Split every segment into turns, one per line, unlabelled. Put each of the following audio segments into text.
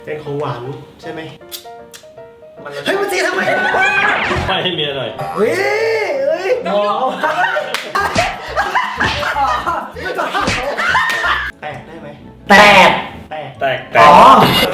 เป็นของหวานใช่ไหม
เฮ้ยมันตีทำไม
ไปให้เมียหน่อย
เฮ้ยหมอ
แตกได้ไหม
แตก
แตก
แตก
อ๋อ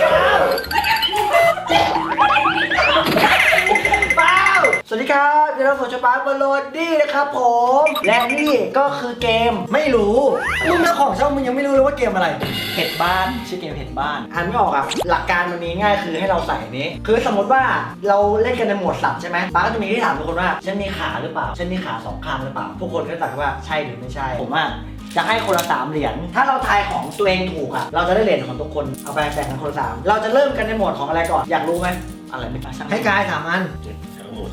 สวัสดีครับเดี๋ยวเราสู่ช่องปาร์คบอลโลดี้นะครับผมและนี่ก็คือเกมไม่รู้มึงเจ้าของช่องมึงยังไม่รู้เลยว่าเกมอะไรเห็ดบ้านชื่อเกมเห็ดบ้านอ่านไม่ออกอ่ะหลักการมันมีง่ายคือให้เราใส่นี้คือสมมติว่าเราเล่นกันในโหมดสัตว์ใช่ไหมปาร์คก็จะมีที่ถามทุกคนว่าฉันมีขาหรือเปล่าฉันมีขา2ข้างหรือเปล่าทุกคนก็ตอบว่าใช่หรือไม่ใช่ผมว่าจะให้คนละ3เหรียญถ้าเราทายของตัวเองถูกอ่ะเราจะได้เหรียญของทุกคนเอาไปแบ่งกันคนละ3เราจะเริ่มกันในโหมดของอะไรก่อนอยากรู้ไหมอะไรไม่ช่างให้กาย3 อัน
ทั้งหมด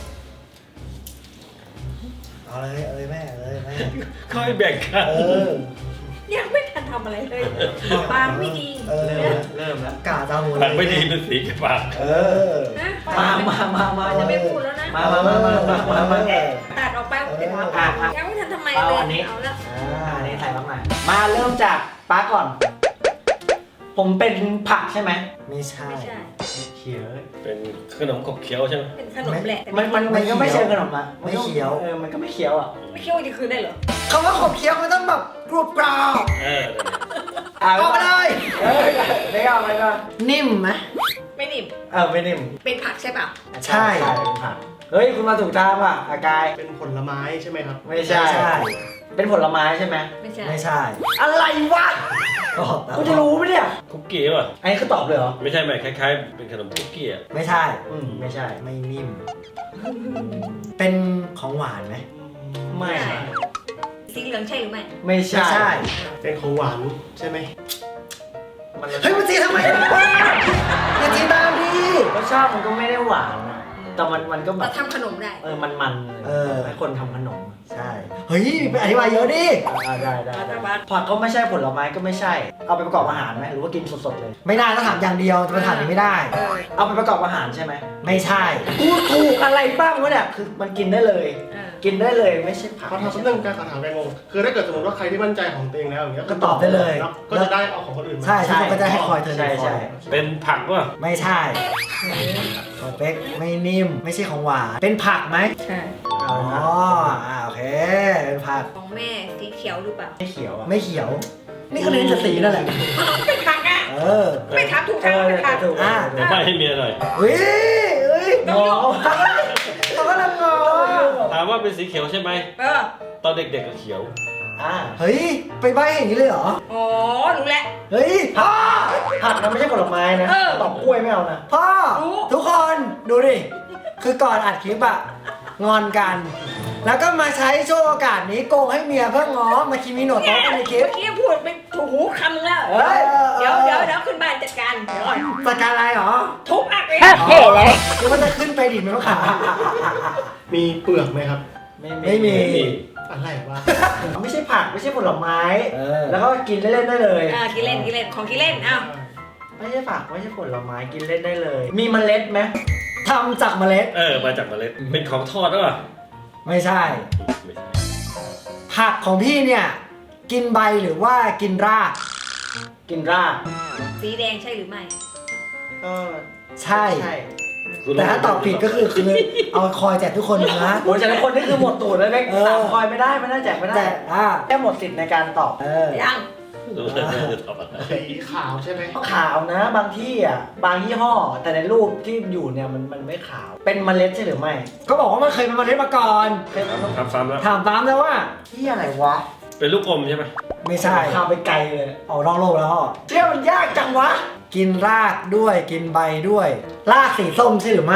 เอาเลยแม่แม่
ค่อยแบ่งกัน
ยังไม่ทันทำอะไรเลยปากไม่ดี
เริ่มแล้วกาตาหมู
ปากไม่ดีเป็นสีกับปาก
นะ
มา
จะไม่พูดแล้วนะ
มา
ตัดออกไปเดี๋ยวยังไม่ทันทำไม
เอา
เลย
อันนี้
เอาละ
อันนี้ใส่บ้างหน่อยมาเริ่มจากป้าก่อนผมเป็นผักใช่ไหมไม่ใช่
ไม่ใช่
เขียว
เป็นขนมขบเคี้ยวใช่ไหม
เป็นขนมแหละแต่
มันก็ไม่เชิงขนมนะไม่เขียวมันก็ไม่เขียวอ่ะ
ไม่เคี้ยวจะคืนได้เหรอ
คำว่าขบเคี้ยวมันต้องแบบกรุบกรอบ เอาไปเลยไม่เอาไปก่อนนิ่มไหม
ไม่นิ่ม
ไม่นิ่ม
เป็นผักใช่ป่ะ
ใช่เป็นผักเฮ้ยคุณมาถูกทางว่ะอากาย
เป็นผลไม้ใช่ไหมครับ
ไม่ใช่เป็นผลไม้ใช่ไหม
ไม่ใช่
ไม่ใช่ อะไรวะกูจะรู้ไหมเนี่ย
คุกกี้ป่ะ
อันนี้คือตอบเลยเหรอ
ไม่ใช่ไหมคล้ายๆ เป็นขนมคุกกี้อ่ะ
ไม่ใช่ไม่ใช่ไม่นิ่มเป็นของหวานไหมไม่
สีเหลืองใช่หรือไม่
ไม่ใช่
เป็นของหวานใช่ไหม
เฮ้ยมันตีทำไมอย่าตีตามดิรสชาติมันก็ไม่ได้หวานนะแต่มันก็แบ
เรา
บ
ทำขนมได้
มันให้คนทำขนมใช่เฮ้ยไปอธิบายเยอะดิได้ผักก็ไม่ใช่ผลไม้ก็ไม่ใช่เอาไปประกอบอาหารไหมหรือว่ากินสดๆเลยไม่ได้ต้องถามอย่างเดียวจะไปถามนี้ไม่ได้เอาไปประกอบอาหารใช่ไหมไม่ใช่กูถูกอะไรบ้างวะเนี่ยคือมันกินได้เลยกินได้เลยไม่ใช่ผัก
ขอถามเรื่องการถามแกงงคือถ้าเกิดสมมติว่าใครที่มั่นใจของตัวเองแล้วอย่างเงี้ย
ก็ตอบได้เลย
ก็จะได้เอาของคนอื่นมา
ใช่ทุกคนก็จะให้คอยเธอใช่
เป็นผักป่ะ
ไม่ใช่ของเป๊กไม่นิ่มไม่ใช่ของหวานเป็นผักไหม
ใช่
อ๋อโอเคเป็นผัก
ของแม่สีเขียวหรือเปล่า
ไม่เขียวไม่เขียวนี่ก็เล่นจะสีนั่นแหละ
เป็นผักอ่ะไม่ทำถูกทางเป็นผัก
ถูก
เดี๋ยวไปให้เมียหน่อย
เฮ้ยงอเขาก็ลังงอ
ถามว่าเป็นสีเขียวใช่ไหมตอนเด็กๆก็เขียว
เฮ้ยไปใบ้อย่างนี้เลยเหรอ
อ๋อรู้แล้ว
เฮ้ยพ่อผักนะไม่ใช่ผลไม้นะตอบกล้วยไม่เอานะพ่อทุกคนดูดิคือก่อนอัดคลิปอะงอนกัน แล้วก็มาใช้ช่วงโอกาสนี้โกงให้เมียเพื่อง้อมาคิมิโนะโต๊ะกันในคลิป
เมื่อกี้พูดเป็นถูกหูคำแล้วเดี๋ยวขึ้นบ้านจัดการเดี๋ยวก่อน
จัดการอะไรหรอ
ทุบอักเลย
เท่เลยคือมันจะขึ้นไปดิบไหมวะขา
มีเปลือกไหมครับ
ไม่มี
อะไรวะ
ไม่ใช่ผักไม่ใช่ผลไม้แล้วก็กินเล่นๆได้เลย
กินเล่นของกินเล่นอ้าว
ไม่ใช่ผักไม่ใช่ผลไม้กินเล่นได้เลย มีเมล็ดไหมทำจากเมล็ด
มาจากเมล็ดเป็นของทอดหรือเปล่า
ไม่ใช่
ไม่ใช่
ผักของพี่เนี่ยกินใบหรือว่ากินราก กินราก
สีแดงใช่หรือไม่
ก็ใช่แต่ถ้าตอบผิดก็คือเอาคอยแจกทุกคนนะโอ้ยแจกทุกคนนี่คือหมดตูดแล้วเล็กคอยไม่ได้แจกไม่ได้แค่หมดสิทธิ์ในการตอบ
ยัง
รู้เลยจะตอบอะไร
สีขาวใช่ไหม
ขาวนะบางที่อ่ะบางยี่ห้อแต่ในรูปที่อยู่เนี่ยมันไม่ขาวเป็นเมล็ดใช่หรือไม่ก็บอกว่ามันเคยเป็นเมล็ดมาก่อนเคย
ทำซ้ำแล้ว
ถามตามแล้วว่าที่อะไรวะ
เป็นลูกอมใช่ไหม
ไม่ใช่ข้ามไปไกลเลยออกนอกโลกแล้วพ่อเชื่อมันยากจังวะกินรากด้วยกินใบด้วยรากสีส้มใช่หรือไม่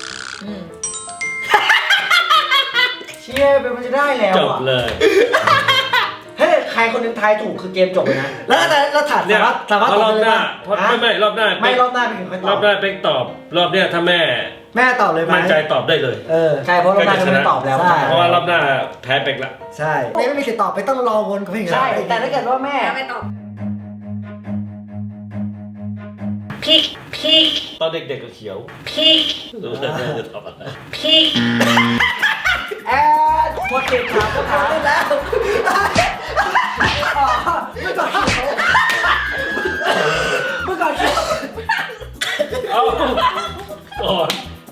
เชื่อเป็นมันจะได้แล้ว
จบเลย
เฮ้ยใครคนหนึงทายถูกคือเกมจบเลยนะแล้วแต่เราถาม
เนี่ย
สามารถต
ร
อบ
อบ
เลย
หน้า
นะ
ไม่รอบหน้า
ไม่รอบหน้าเป็นคนต
ร
อ
อ
บบ
หน้าเป็นตอบ รอบเนี้ยถ้าแม่
ตอบเลยไหม
มั่นใจตอบได้เลย
ใช่เพราะรอบหน้าจะไม่ตอบแล้ว
เพราะว่ารอบหน้าแพ้เป็กละ
ใช่ไม่มีสิทธิ์ตอบไปต้องรอวนกับพี่ใช่แต่ถ้าเกิดว่าแม่
ไม่ตอบพริก
ตอนเด็กๆก็เขียว
พริก
รู้เลยจะตอบอะไร
พริก
หมดสิทธิ์ถามก็ถามได้แล้วเมื่อก่อน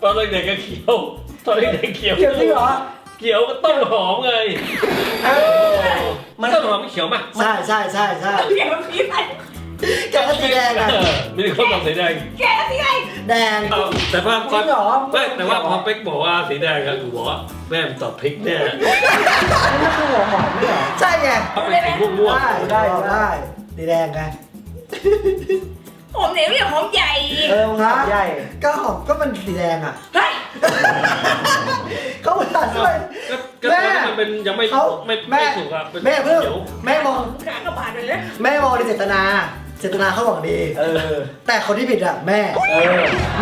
อนเด็กๆก็เขียวตอนเด็กๆเขียว
เขียวจริงเหรอ
เขียวก็ต้นหอมไง
มัน
ต้นหอมไม่เขียวมั้ย
ใช่ใช่ใช่ใช่
แกมันสีอะไร
แกก็สีแดงอะ
มีคนบอกสีแดง
แกสีอะไร
แดง
เอาแต่ว่า
จริงเหรอ
ไม่แต่ว่าพอเป๊กบอกว่าสีแดงอะกูบอกว่าแม่มตอบพริกแน่
นี่คือหัวหอมไม่เหรอใช่ไง
เขาเป็นสีม่วง
ได้สีแดงไง
ผมเหนียวอย่างหอมใหญ่
นะใหญ่ก็หอมก็มันสีแดงอ่ะ
เฮ้ย
เขาอุตส่าห์ช่วย
ๆก็ตอนนี้มันเป็นยังไม่
เขา
ไม่สุกอะเป็น
แม่เพิ่ง
เขียว
แม่มอง
ขากระบาดเลยนะ
แม่มองในเจตนาเขาหวังดีแต่คนที่ผิดอ่ะแม่แม่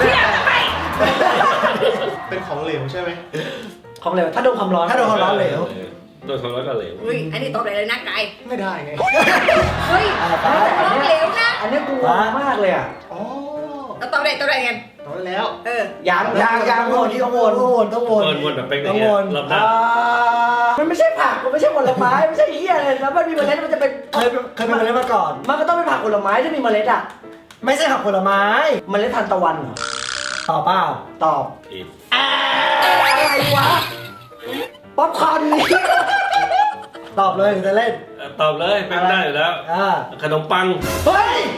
เป็นของเหลวใช่ไหม
ของเหลวถ้าโดนความร้อนเหลว
โดนความร้อนก็เหลว
เฮ้ยอันนี้ตอบอะไรเลยนะไก่
ไม่ได้ไง
เฮ้ยตอบเหลวนะ
อันนี้กูงงมากเลยอ่ะ
อ๋อ
แล้วตอบอะไรกัน
ตอบได้แล้ว
ยังวนที่ต้องวน
วนแบบเป๊ก
ต้
เนี่
อง
ย
วน
รอบหน้า
มันไม่ใช่ผักมันไม่ใช่ผลไม้ไม่ใช่เหี้ยเลยแล้วมันมีเมล็ดมันจะเป็นเคยเป็นเมล็ดมาก่อน มันก็ต้องเป็นผักผลไม้ที่มีเมล็ดอ่ะไม่ใช่ผักผลไม้เมล็ดทานตะวันเหรอตอบเปล่าตอบ
อีก
อะไรวะป๊อปคอร์นนี่ตอบเลยจะเล่น
ตอบเลยเป๊กได้อยู่แล้วขนมปัง
เฮ้ย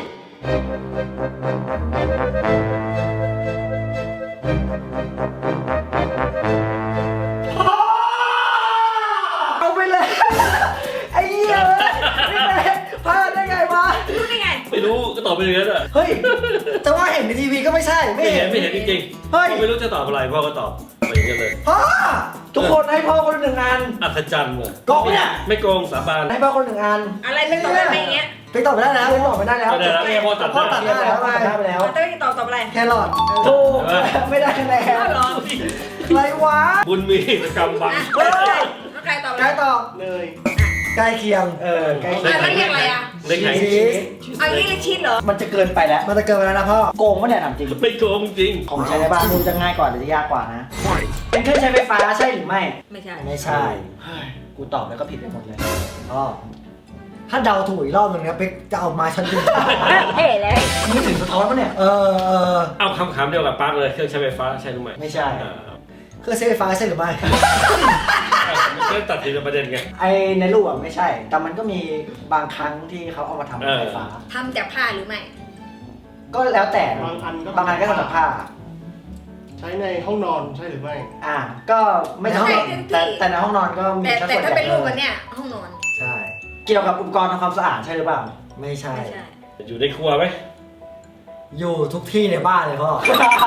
เอาไปเลยไอ้เหี้ยนี่แม่พลาดได้ไงวะ
รู้ได้ไง
ไม่รู้ก็ตอบไปอย่างนั้นอะ
เฮ้ยแต่ว่าเห็นในทีวีก็ไม่ใช่
ไม่เห็นจริงๆ
เฮ้ย
พ่อไม่รู้จะตอบอะไรพ่อก็ตอบไปอย่างนี้เลย
พ่อทุกคนให้พ่อคนละหนึ่งอัน
อัศจรรย์เลย
โกงเนี่ย
ไม่โกงสาบาน
ให้พ่อคนละหนึ่งอัน
อะไรไม่ตอบได้ไหมอย่างเงี้ย
ไปตอบไม่ได้แล้วไปตอบไม่ได้แล้ว
ไม่ได้แล้วพ่อตัด
พ่อตัด
ได้
ได้แล้วตัดได้ไปแล้ว
แต่ไม่ตอบอะไร
แครอทถูกไม่ได้คะแนน
อ้าวเหรอ
อะไรวะ
บุญมีกิจกรรมบัง
เฮ้ย
แล้วใครตอบอะไร
ใกล้ตอบ
เนย
ใกล้เคียงใกล้เคียง
แล้วเรียกอะไรอ่ะ
เล็กไหน
ชีส
เอางี้เลยชิดเหรอ
มันจะเกินไปแล้วมันจะเกินไปแล้วนะพ่อโกงปะเนี่ยถามจริง
ไม่โกงจริง
ของใช้ในบ้านดูจะง่ายกว่าหรือจะยากกว่านะเป็นเครื่องใช้ไฟฟ้าใช่หรือไม่
ไม่ใช่
ไม่ใช่กูตอบแล้วก็ผิดไปหมดเลยอ๋อถ้าเดาถูกอีกรอบหนึ่งนะเป๊กจะเอามาชั้นดิน
เฮ้เลย
ไม่ถึงสะท้อนปะเนี่ย
เอาคำเดียวกับปาร์คเลยเครื่องใช้ไฟฟ้าใช่หรือไม่
ไม่ใช่เครื่องใช้ไฟฟ้าใช่หรือไม่
ไม่ตัดทีละประเด็นไง
ไอในรูปอ่ะไม่ใช่ แต่มันก็มีบางครั้งที่เขาเอามาทำเป็นไฟฟ้า
ทำจากผ้าหรือไม่
ก็แล้วแต่
บางอันก็
บางอันก็ทำจากผ้า
ใช้ในห้องนอนใช่หรือไม่
ก็ไม่ใช่ห้องนอนแต่ในห้องนอนก็มี
แต่ถ้าเป็นรูปแบบเนี้ยห้องนอน
ใช่เกี่ยวกับอุปกรณ์ทำความสะอาดใช่หรือเปล่าไม่ใช่
ไม่ใช่
อยู่ในครัวไหม
อยู่ทุกที่ในบ้านเลยพ่อ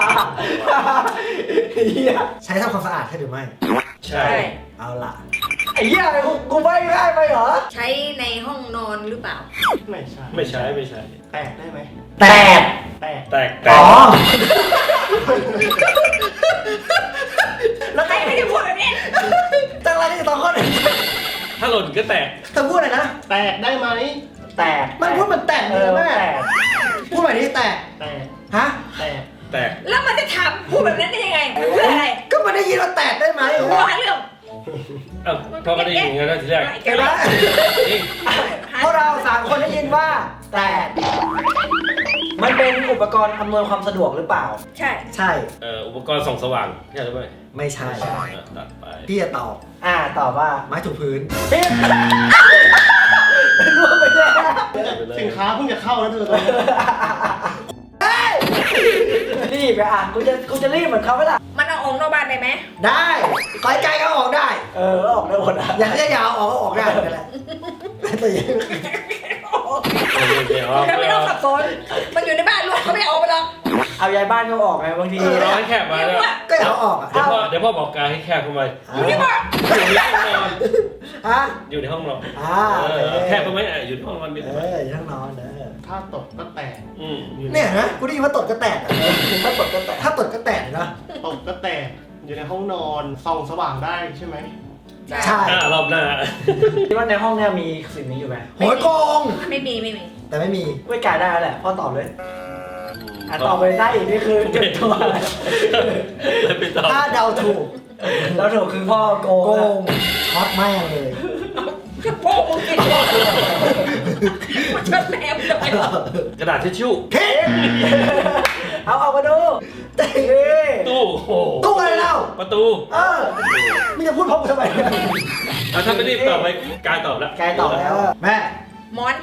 ใช้ทำความสะอาดใช่หรือไม่
ใช่
เอาล่ะไอ้เหี้ยกูไม่ได้ไปเหรอ
ใช้ในห้องนอนหรือเปล่า
ไม่ใช่
ไม่ใช่ไม่ใช่
แตกได้ไหม
แตก
แตก
แตก
อ๋อ
แล้วใครไม่ได้พูดแบบนี้
จังไรที่ตอนข้อไหน
ถ้าหล่นก็แตก
เธอพูดอะไรนะ
แตกได้ไหม
แตกมันพูดมันแตกเลยแม่พูดแบบนี้แตก
แตก
ฮะ
แตก
แตก
แล้วมันจะถามพูดแบบนั้นได้ยังไงมันเพื่ออะไร
ก็มันได้ยินว่าแตกได้ไหม
หัวเรื่อง
เอ้าพ่อก็ได้ยินอย่างนั้นทีแรก
เห็นไหม
จริง
พวกเรา3คนได้ยินว่าแตกมันเป็นอุปกรณ์อำนวยความสะดวกหรือเปล่า
ใช่
ใช่
อุปกรณ์ส่องสว่างใช่หรือไม่
ไม่ใช่
ตัดไป
พี่จะตอบตอบว่าไม้ถูพื้นพี่รู้ไปแน่
สินค้าเพิ่งจะเข้าแล้วเธอตอนนี้
รีบไปกูจะรีบเหมือนเขาไหมล่ะ
มันเอาออกนอกบ้านได้ไหม
ได้ขอไกลก็ออกได้ออกได้หมดอ่ะอยากจะยาวออกก็ออกได้นั่นแหละแต่ยัง
แล้วไม่ต้องสับสนมันอยู่ในบ้านลูกเขาไม่เอาไปหรอก
เอายายบ้านก็ออกไงบางที
เราให้แคบมาแล้ว
ก็อยากออกอ่ะ
เดี๋ยวพ่อบอกกายให้แคบเข้าไป
อยู่ที่บ้าน
อยู่ในห้องนอน
ฮะ
อยู่ในห้องนอน
แ
แคบเข้าไหมอยู่ในห้องนอนนิดหน่อย
อยู่ทั้งนอน
ถ้าตกก็แตก
เนี่ยนะกูได้ยินว่าตดก็แตกถ้าตดก็แตกนะ
ตกก็แตกอยู่ในห้องนอนส่องสว่างได้ใช่ไหม
ใช่
รอบหน้า
คิดว่าในห้องเนี่ยมีสิ่งนี้อยู่ไหมโหยโกง
ไม่มี
แต่ไม่มีไม่กล้าได้แล้วแหละพ่อตอบเลยตอบไปได้อีกนี่คือเก็บตัว
ไปต่อ
ถ้าเดาถูกคือพ่อโกงช็อตแม่งเลย
โป้งกินมันชนแมวเลย
กระดาษทิชชู่
เอามาดูเต้
ตู้โอ้โหประตู
มึงจะพูดพร้อมกูทำไม
ถ้าไม่รีบตอบไปกายตอบแล้ว
กายตอบแล้วแม่
หมอน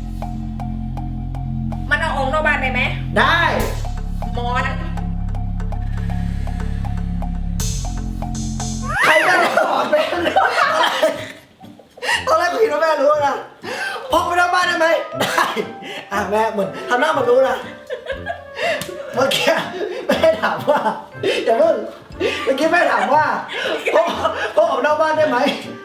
มันเอาออกนอกบ้านได้ไหม
ได้
หมอน
ใครจะได้หอมแม่ตอนแรกกูคิดว่าแม่รู้นะพกไปนอกบ้านได้ไหมได้แม่เหมือนทำหน้ามันรู้นะเมื่อกี้แม่ถามว่าอย่าเพิ่งเมื่อกี้แม่ถามว่าพกออกนอกบ้านได้ไหม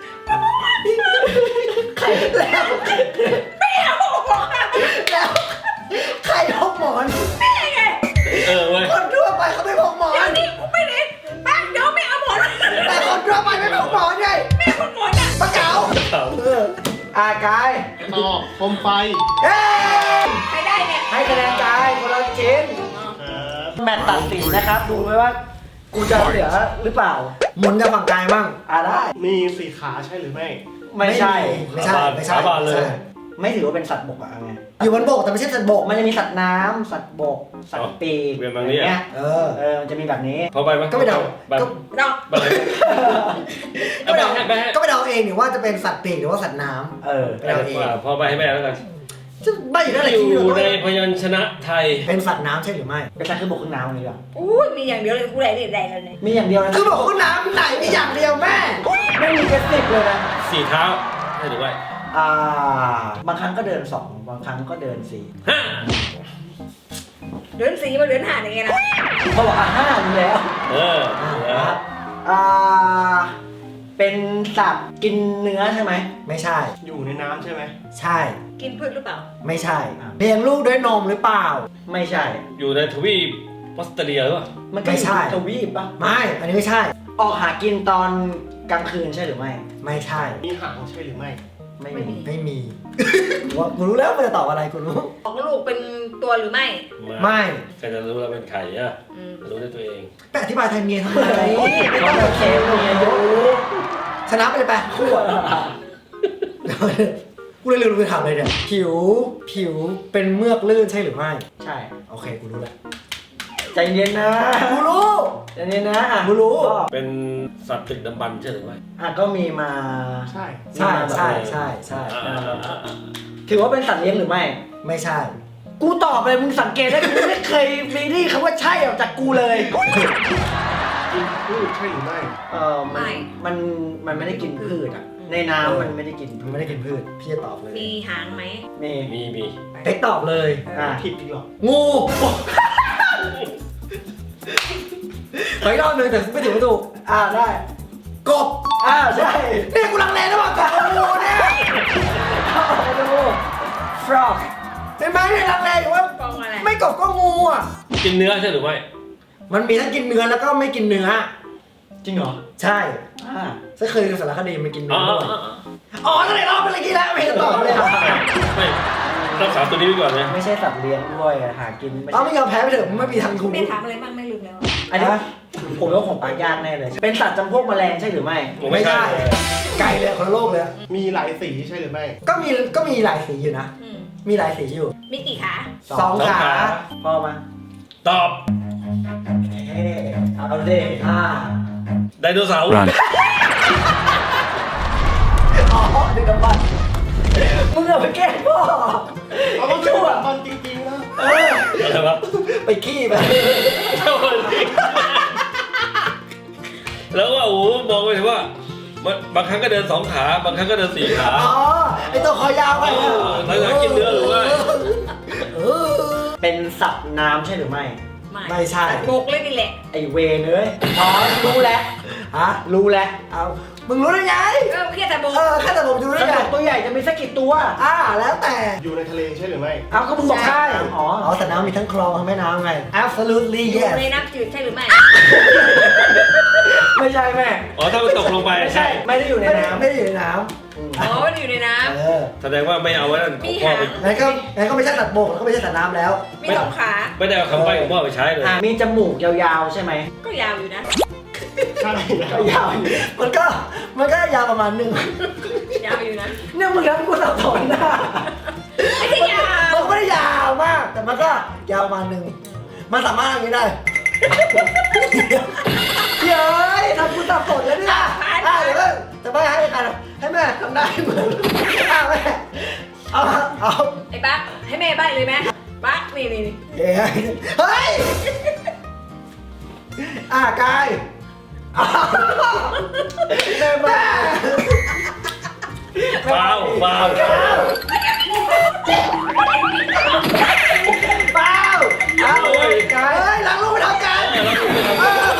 ใครแล้ว
ไม่เอาออก
แล้วใครพกหมอน
แม่ไง
เว้ย
คนทั่วไปเขาไม่พกหมอ
เดี๋ยวน นี้กูไม่ได้บ้านเดี๋ยวไม่เอาหมอน
แต่คนทั่วไปไม่พกหมอนไง
แม่คนหมอนอ่ะ
ปะเก๋ากาย
ต่อโคมไฟ
เฮ้
ใครได้เนี่ย
ให้คะแนนกายคนละชิ้น แมตช์ตัดสินนะครับ ดูไว้ว่า กูจะเหลือหรือเปล่า หมุนกับฝั่งกายบ้างได้
มีสี่ขาใช่หรือไม่
ไม่ใช่
สาบานเลย
ไม่ถือว่าเป็นสัตว์บกอะไงอยู่บนบกแต่ไม่ใช่สัตว์บก มันจะมีสัตว์น้ำสัตว์บก สัตว์ปีก
เวียนบางนี้
เงี้ยมันจะมีแบบนี้
พอไปไหม
ก็ไปเดา
ไป
ดอก
ไปเลย
ก็ไปเดา
ไปให้
ก็ไปเดาเองหรือว่าจะเป็นสัตว์ปีกหรือว่าสัตว์น้ำไปเดาเอง
พอไปให้แม่แล้วกัน
จะใบอยู่นั่นแหละ
อยู่ในพยัญชนะไทย
เป็นสัตว์น้ำใช่หรือไม่ เป็นสัตว์ขึ้นบกขึ้นน้ำอะไรอย่าง
อุ้ยมีอย่างเดียวเลยกูได้แล้วเนี่ย
มีอย่างเดียวนะขึ้นบกขึ้นน้ำไหนมีอย่างเดียวแม่ ไม่มีกระติกเลยนะ
4 เท้าใช่หรือไม่
บางครั้งก็เดิน2บางครั้งก็เดิน4
เดือนสีมาเดือนห้าอย่างเงี้ยนะ
เขาบอก5อยู่แล้ว
ครับ
เป็นสัตว์กินเนื้อใช่ไหมไม่ใช่
อยู่ในน้ำใช่ไหม
ใช่
กินพืชหรือเปล่า
ไม่ใช่เลี้ยงลูกด้วยนมหรือเปล่า ไม่ใช่
อยู่ในทวีปออสเตรเลียหรือเปล่า
มันไม่ใช่ทวีปปะไม่ อันนี้ไม่ใช่ ออกหากินตอนกลางคืนใช่หรือไม่ ไม่ใช่
มีหางใช่หรือไม่
ไม่มี กูรู้แล้วมันจะตอบอะไรกูรู้
ออกลูกเป็นตัวหรือไม่
ไม่
ใครจะรู้เราเป็นใครอ่ะ
อืม
รู้ได้ตัวเอง
ไปอธิบายแทนเมียทำไมไม่ต้องมาเคลมเมียอยู่ชนะไปเลยไปคู่อ่ะกูเลยลืมไปถามเลยเนี่ยผิวเป็นเมือกลื่นใช่หรือไม่ ใช่ โอเคกูรู้แล้วใจเย็นนะกูรู้ใจเย็นนะกูรู้
เป็นสัตว์ตึกดำบรรพ์ใช่หรือไม่
ก็มีมา
ใช่
ใช่ถือว่าเป็นสัตว์เลี้ยงหรือไม่ ไม่ใช่ กูตอบเลยมึงสังเกตได้กูไม่เคยมีนี่คำว่าใช่ออกจากกูเลย
กินพืชใช่หรือไม่
มันไม่ได้กินพืชอ่ะในน้ำมันไม่ได้กินพืชพี่จะตอบเลย
มีหางไหม
มี
เป๊กตอบเลย
ผิดอีกหรอ
งูขออีกรอบหนึ่งแต่ไม่ถูกได้กบใช่นี่กูลังเลระหว่างกบกับงูเนี่ยดู frog เป็นไหมเนี่ยลังเลอยู่ว่า
ฟองอะไร
ไม่กบก็งูอ่ะ
กินเนื้อใช่หรือไม่
มันมีทั้งกินเนื้อแล้วก็ไม่กินเนื้อจริงเหรอใช่ฉันเคยดูสารคดีมันกินเนื้อด้วยนั่นแหละรอบเป็นอะไรกี่แล้วไม่เห็นตอบเลย
ไม่รักษาตัวนี้ไว้ก่อนนะ
ไม่ใช่สัตว์เลี้ยงด้วยหากินไม่ยอมแพ้ไปเถอะไม่มีทางถูก
แม่ถามอะไรบ้างไม่ลืมแล้ว
อันนี้ผมว่าของปากยากแน่เลยเป็นสัตว์จำพวกแมลงใช่หรือไม่ไก่เลยคนละโลกเลย
มีหลายสีใช่หรือไม่
ก็มีหลายสีอยู่นะ มีหลายสีอยู่
มีกี่ขา
2 ขาพอมา
ตอบ
เอาดิ
ไดโนเสาร์
ดึงกำปั้นมึงเอาไปแกล้งพ่อ
เอาก็ชั่วมันจริงๆนะ
อะไรวะ
ไปขี้ไป
แล้วว่าโอ้โหมองไปถึงว่าบางครั้งก็เดิน2 ขาบางครั้งก็เดิน4 ขา
ไอตัวคอยาวไป
แล้วจะกินเนื้อหรือไม่
เป็นสัตว์น้ำใช่หรือไม่ไม่ใช่
บกเลยนี่แหละ
ไอเวรเลยรู้แล้วรู้แล้วเอามึงรู้ได้ไง
แค่แต่บก
แค่แต่ผมดูได้ไงตัวใหญ่จะมีสักกี่ตัวแล้วแต่
อยู่ในทะเลใช่หรือไม่
ก็มึงบอกใช่สัตว์น้ำมีทั้งคลองทั้งแม่น้ำไง absolutely
อยู่
yes
ในน้ำจืดใช่หรือไม่
ไม่ใช่แม่
ถ้ามันตกลงไปใช่
ไม่ได้อยู่ในน้ำไม่ได้อยู่ในน้
อ๋อมันอยู่ในน้
แสดงว่าไม่เอาไว้ของพ่อไป
ำงั้นก็ไม่ใช่สัตว์บกแล้วก็ไม่ใช่สัตว์น้ำแล้ว
ำมี2 ขา
ไม่ได้เอาคำใบ้ของพ่อไปใช้เลย
มีจมูกยาวๆใช่ไหม
ก็ยาวอยู่นะ
ใช่
ก็ยาวมันก็ยาวประมาณนึง
ยาวอยู่นะ
เนี่ยมึงแล้วกูสับสนนะ
ไม่ใช่ยาว
มันไม่ได้ยาวมาก แต่มันก็ยาวประมาณนึงมันสามารถอย่างนี้ได้เย้ยทำกูสับสนแล้วเนี่ยเดี๋ยวจะไม่ให้กันให้แม่ทำได้เหมือนแม่เอา
ไอ้บั๊กให้แม่ใบ้เลยไหมบั๊กนี่
เฮ้ยกายแม่แม่
ฟาว
เปล่าเอาเลยกันเฮ้ยล้างลูกไม่ทำกันล้างลูกไม่ทำ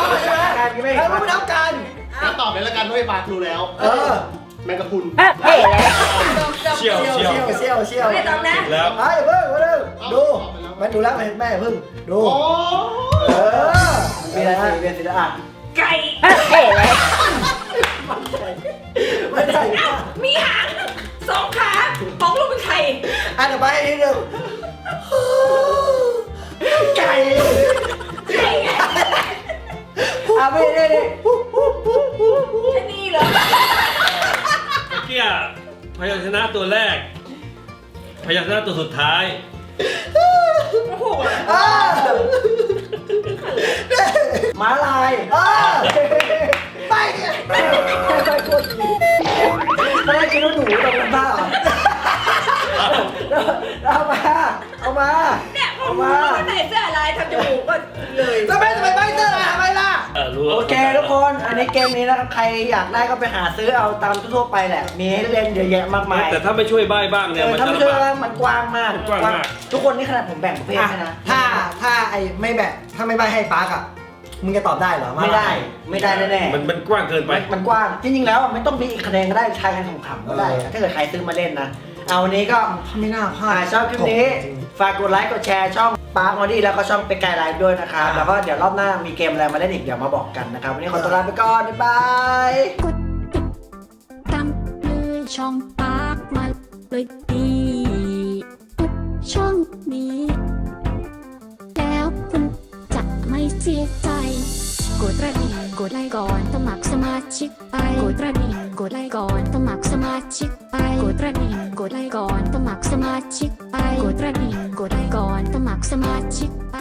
กัน
แล้วตอบเลยละกันว่าไอ้ปากรู้แล้ว แมงกะพรุน
เฮ้ยแล้ว
เชี่ยว
เชี่ยว
ไม่ต้องนะ
แล้ว
ไอ้เพิ่งมาดูดูมันดูแล้วแม่เพิ่งดู
โอ้
มีอะไรมีสิละ
ไก่เฮ้ยแล้ว
ไม่ได้
มีหาง2 ขาของลูกเป็นไข่
อันต่อไปนิดนึงไก่
ไก่ไง
ไม่ได้
แค่นี้เหรอ
เมื่อกี้พยัญชนะตัวแรก พยัญชนะตัวสุดท้าย
โอ้โห
ม้าลายไปโคตรดีตอนแรกคิดว่าหนูตรงนั้นบ้าเอามา
เนี่ยผมรู้ว่าใส่เสื้ออะไรทำจมูกก็เลย
ทำไมใบเตอร์ทำไมล่ะ
รู้
โอเคทุกคน อันนี้เกมนี้นะครับใครอยากได้ก็ไปหาซื้อเอาตามทั่วไปแหละ มีให้เล่นเยอะแยะมากมาย
แต่ถ้าไม่ช่วยใบ้บ้างเนี่ยมัน
ถ้า
จะ
ไม่
ลำ
ช่วย
บาก
มันกว้างมาก
กว้างมาก
ทุกคนนี่ขนาดผมแบ่งประเภทให้นะถ้าไอ้ไม่แบ่งถ้าไม่ใบให้ปาร์กอ่ะมึงจะตอบได้เหรอไม่ได้แน่ๆ
มันกว้างเกินไป
มันกว้างจริงๆแล้วไม่ต้องมีอีกคะแนนก็ได้ทายกันขำๆก็ได้ถ้าเกิดใครซื้อมาเล่นนะเอาวันนี้ก็ไม่น่าพลาดชอบคลิปนี้ฝากกดไลค์กดแชร์ช่องปาร์คมอดี้แล้วก็ช่องเป็นไกด์ไลฟ์ด้วยนะครับแล้วก็เดี๋ยวรอบหน้ามีเกมอะไรมาเล่นอีกเดี๋ยวมาบอกกันนะครับวันนี้ขอตัวลาไปก่อนบ๊ายบาย
กดติดตามเลยช่องปากมาเลยดีทุกช่องนี้ แล้วคุณจะไม่เสียใจ กดกระดิ่งกดไลค์ก่อนสมัครสมาชิกไปกดกระดิ่งกดไลค์ก่อนสมัครสมาชิกไปกดกระดิ่งกดไลค์ก่อนสมัครสมาชิกไปกดกระดิ่งกดไลค์ก่อนสมัครสมาชิกไป